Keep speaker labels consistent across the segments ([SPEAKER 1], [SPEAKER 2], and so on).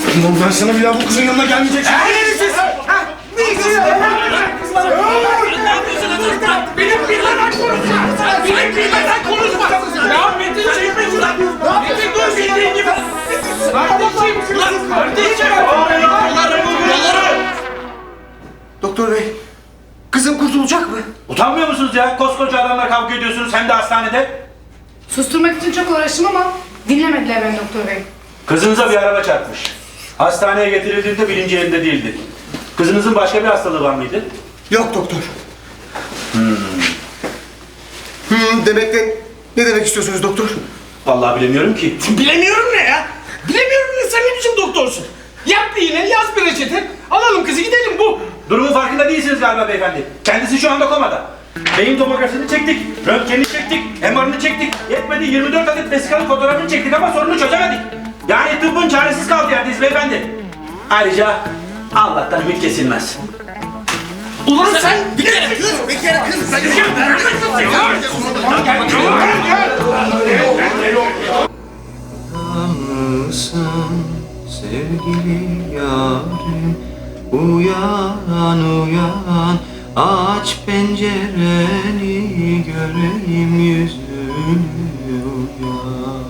[SPEAKER 1] Ulan ben sana bir daha bu kızın yanına gelmeyeceksin.
[SPEAKER 2] Siz! Ne istiyorsun?
[SPEAKER 3] Ne yapıyorsunuz? Benim bilmeden konuşma! Benim bilmeden konuşma! Ya Metin çekme şuradan! Metin dur bildiğin gibi! Kardeşim! Lan kardeşim! Yolları!
[SPEAKER 2] Doktor bey, kızım kurtulacak mı?
[SPEAKER 4] Utanmıyor musunuz ya? Koskoca adamla kavga ediyorsunuz hem de hastanede.
[SPEAKER 5] Susturmak için çok uğraştım ama dinlemediler beni doktor bey.
[SPEAKER 4] Kızınıza bir araba çarpmış. Hastaneye getirildiğinde bilinci yerinde değildi. Kızınızın başka bir hastalığı var mıydı?
[SPEAKER 2] Yok doktor. Demek ne demek istiyorsunuz doktor?
[SPEAKER 4] Vallahi bilemiyorum ki.
[SPEAKER 3] Bilemiyorum ne ya? Bilemiyorum ne? Sen ne biçim doktorsun? Yap bir iğne, yaz bir reçete. Alalım kızı gidelim bu.
[SPEAKER 4] Durumun farkında değilsiniz galiba beyefendi. Kendisi şu anda komada. Beyin tomografisini çektik, röntgenini çektik, MR'ını çektik. Yetmedi 24 adet vesikalık fotoğrafını çektik ama sorunu çözemedik. Yani tıbbın çaresiz kaldı yerdeyiz beyefendi. Ayrıca Allah'tan ümit kesilmez.
[SPEAKER 3] Ulan sen bir kere kız.
[SPEAKER 6] Mısın sevgili yarim? Uyan uyan, aç pencereni, göreyim yüzünü, uyan.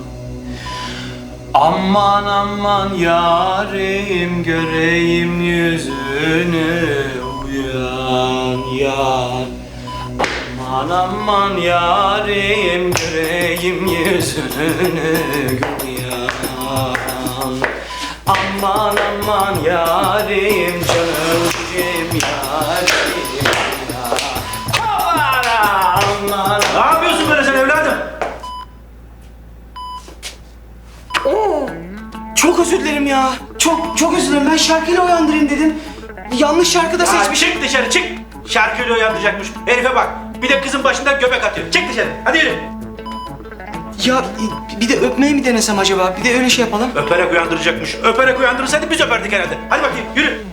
[SPEAKER 6] Aman aman yarim, göreyim yüzünü, uyan yar. Aman aman yarim, göreyim yüzünü, uyan. Aman aman yarim, canım cicim yarim ya. Aman aman.
[SPEAKER 4] Ne yapıyorsun böyle sen evladım?
[SPEAKER 6] Çok özür dilerim ya. Çok özür dilerim. Ben şarkıyla uyandırayım dedim. Yanlış şarkı da
[SPEAKER 4] Ya
[SPEAKER 6] seçmiş.
[SPEAKER 4] çık dışarı çık. Şarkıyla uyandıracakmış. Herife bak. Bir de kızın başından göbek atıyor. Çık dışarı. Hadi yürü.
[SPEAKER 6] Ya bir de öpmeyi mi denesem acaba? Bir de öyle şey yapalım.
[SPEAKER 4] Öperek uyandıracakmış. Öperek uyandırırsaydı biz öperdik herhalde. Hadi bakayım yürü.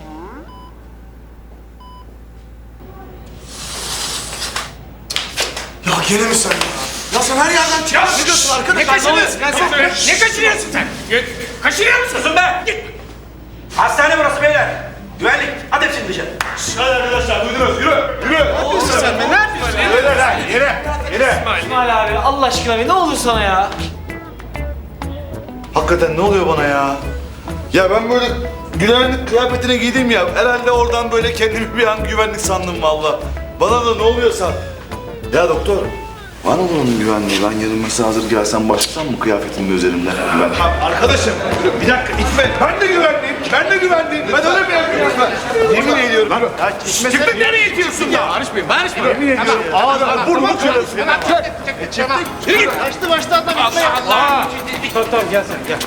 [SPEAKER 2] Ya gene mi sen ya? Ya sen her yerden çıkıyorsun. Ne diyorsun arkadaş?
[SPEAKER 3] Ne kaçırıyorsun lan sen? Ne kaçırıyorsun sen? Kaçırıyor musun?
[SPEAKER 4] Susun be. Git. Hastane burası beyler. Güvenlik. Hadi hepsini dışarı.
[SPEAKER 1] Hadi arkadaşlar duydunuz. Yürü. Yürü.
[SPEAKER 3] Sen be ne yapıyorsun?
[SPEAKER 1] Yürü lan. Yürü. Yürü.
[SPEAKER 6] İsmail abi Allah aşkına ne olur sana ya.
[SPEAKER 1] Hakikaten ne oluyor bana ya? Ya ben böyle güvenlik kıyafetine giydim ya. Herhalde oradan böyle kendimi bir an güvenlik sandım valla. Bana da ne oluyorsa. Ya doktor. Var mı bunun güvenliği? Ben yarın mesela hazır gelsem başlasam mı kıyafetimle üzerimden? Arkadaşım bir dakika itme. Ben de güvenliyim. Ben de güvenliyim. Ben öyle mi yapıyorum ben? Yemin ediyorum.
[SPEAKER 3] Çıktık nereye itiyorsun ya? Barışmayın, barışmayın.
[SPEAKER 1] Yemin ediyorum. Ağzına vurma kırılsın.
[SPEAKER 3] Yürü git. Kaçtı başta adam. Allah Allah.
[SPEAKER 4] Tamam gel sen gel.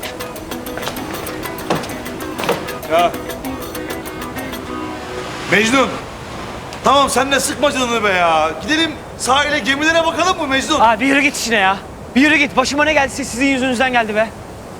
[SPEAKER 1] Mecnun. Tamam sen de sıkma canını be ya. Gidelim sahile gemilere bakalım mı Mecnun?
[SPEAKER 6] Abi bir yürü git işine ya. Bir yürü git. Başıma ne geldiyse sizin yüzünüzden geldi be.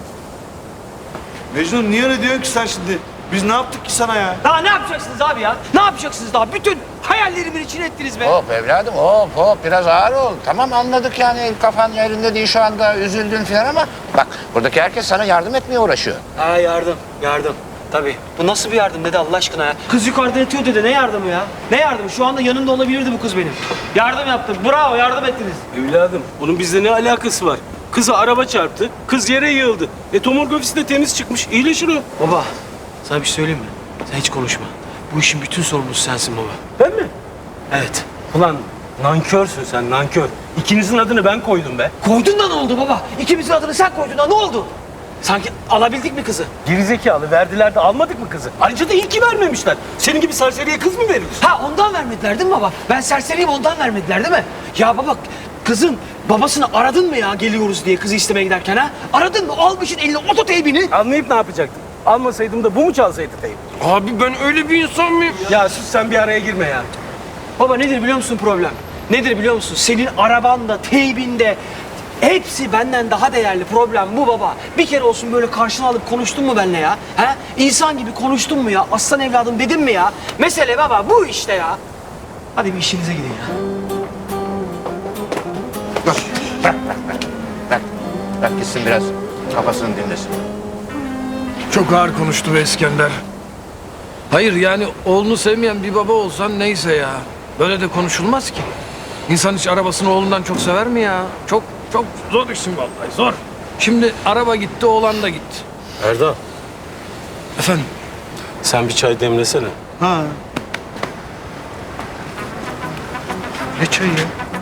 [SPEAKER 1] Mecnun niye öyle diyorsun ki sen şimdi? Biz ne yaptık ki sana ya?
[SPEAKER 6] Daha ne yapacaksınız abi ya? Ne yapacaksınız daha? Bütün hayallerimin içine ettiniz be.
[SPEAKER 7] Hop evladım hop biraz ağır ol. Tamam anladık yani kafan yerinde değil şu anda üzüldün falan ama bak buradaki herkes sana yardım etmeye uğraşıyor.
[SPEAKER 6] Ha yardım. Tabii. Bu nasıl bir yardım dede Allah aşkına ya? Kız yukarıda yatıyor dede. Ne yardımı ya? Ne yardımı? Şu anda yanında olabilirdi bu kız benim. Yardım yaptım. Bravo yardım ettiniz.
[SPEAKER 8] Evladım, bunun bizle ne alakası var? Kızı araba çarptı, kız yere yığıldı. Tomografisi de temiz çıkmış, iyileşir o.
[SPEAKER 6] Baba sana bir şey söyleyeyim mi? Sen hiç konuşma. Bu işin bütün sorumlusu sensin baba.
[SPEAKER 8] Ben mi?
[SPEAKER 6] Evet.
[SPEAKER 8] Ulan nankörsün sen, nankör. İkinizin adını ben koydum be.
[SPEAKER 6] Koydun da ne oldu baba? İkimizin adını sen koydun da ne oldu? Sanki alabildik mi kızı?
[SPEAKER 8] Gerizekalı verdiler de almadık mı kızı? Ayrıca da iyi ki vermemişler. Senin gibi serseriye kız mı verilir?
[SPEAKER 6] Ha ondan vermediler değil mi baba? Ben serseriyim ondan vermediler değil mi? Ya baba kızın babasını aradın mı ya geliyoruz diye kızı istemeye giderken ha? Aradın mı? Almışsın eline ototeybini.
[SPEAKER 8] Anlayıp ne yapacaktım? Almasaydım da bu mu çalsaydı teyip?
[SPEAKER 3] Abi ben öyle bir insan mıyım?
[SPEAKER 8] Ya sus sen bir araya girme ya.
[SPEAKER 6] Baba nedir biliyor musun problem? Nedir biliyor musun? Senin arabanda, teybinde hepsi benden daha değerli. Problem bu baba. Bir kere olsun böyle karşına alıp konuştun mu benimle ya? He? İnsan gibi konuştun mu ya? Aslan evladım dedin mi ya? Mesele baba bu işte ya. Hadi bir işinize gidin ya.
[SPEAKER 7] Bırak gitsin biraz kafasını dinlesin.
[SPEAKER 2] Çok ağır konuştu be İskender. Hayır yani oğlunu sevmeyen bir baba olsan neyse ya. Böyle de konuşulmaz ki. İnsan hiç arabasını oğlundan çok sever mi ya? Çok zor işin vallahi zor. Şimdi araba gitti, oğlan da gitti.
[SPEAKER 8] Erdal,
[SPEAKER 2] Efendim?
[SPEAKER 8] sen bir çay demlesene.
[SPEAKER 2] Ha. Ne çayı ya?